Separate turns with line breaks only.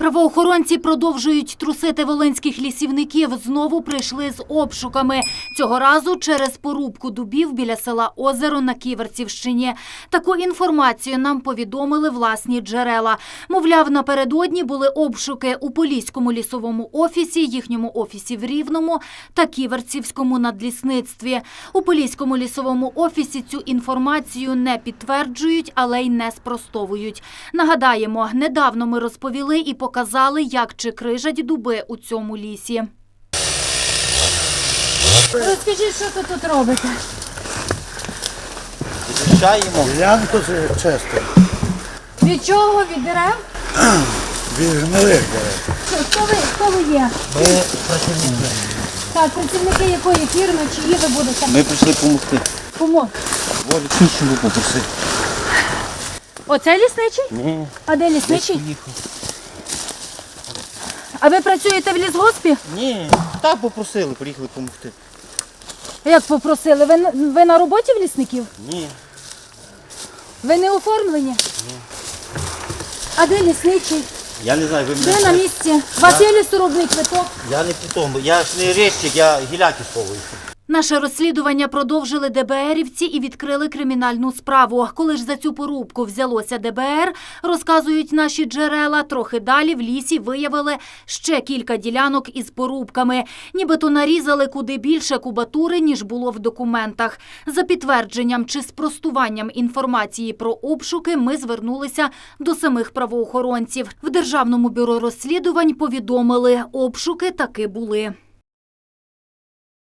Правоохоронці продовжують трусити волинських лісівників. Знову прийшли з обшуками. Цього разу через порубку дубів біля села Озеро на Ківерцівщині. Таку інформацію нам повідомили власні джерела. Мовляв, напередодні були обшуки у Поліському лісовому офісі, їхньому офісі в Рівному та Ківерцівському надлісництві. У Поліському лісовому офісі цю інформацію не підтверджують, але й не спростовують. Нагадаємо, недавно ми розповіли і показали, як чикрижать дуби у цьому лісі.
Розкажіть, що ви тут робите?
Вичищаємо.
Ділянку чисто.
Від чого? Від дерев?
Від гнилих дерев.
Хто ви є?
Ми працівники.
Так, працівники якої фірми, чиї ви будете?
Ми прийшли допомогти.
Кому?
Волі лісничому попросити.
Оце лісничий?
Ні.
А де лісничий?
Поїхав.
А ви працюєте в лісгоспі?
Ні. Так попросили, приїхали допомогти.
Як попросили? Ви на роботі в лісників?
Ні.
Ви не оформлені? Ні. А де лісничий?
Я не знаю, ви мене...
Де на місці? У вас є лісорубний квиток?
Я не при тому. Я ж не речник, я гіляки сховую.
Наше розслідування продовжили ДБРівці і відкрили кримінальну справу. Коли ж за цю порубку взялося ДБР, розказують наші джерела, трохи далі в лісі виявили ще кілька ділянок із порубками. Нібито нарізали куди більше кубатури, ніж було в документах. За підтвердженням чи спростуванням інформації про обшуки ми звернулися до самих правоохоронців. В Державному бюро розслідувань повідомили, обшуки таки були.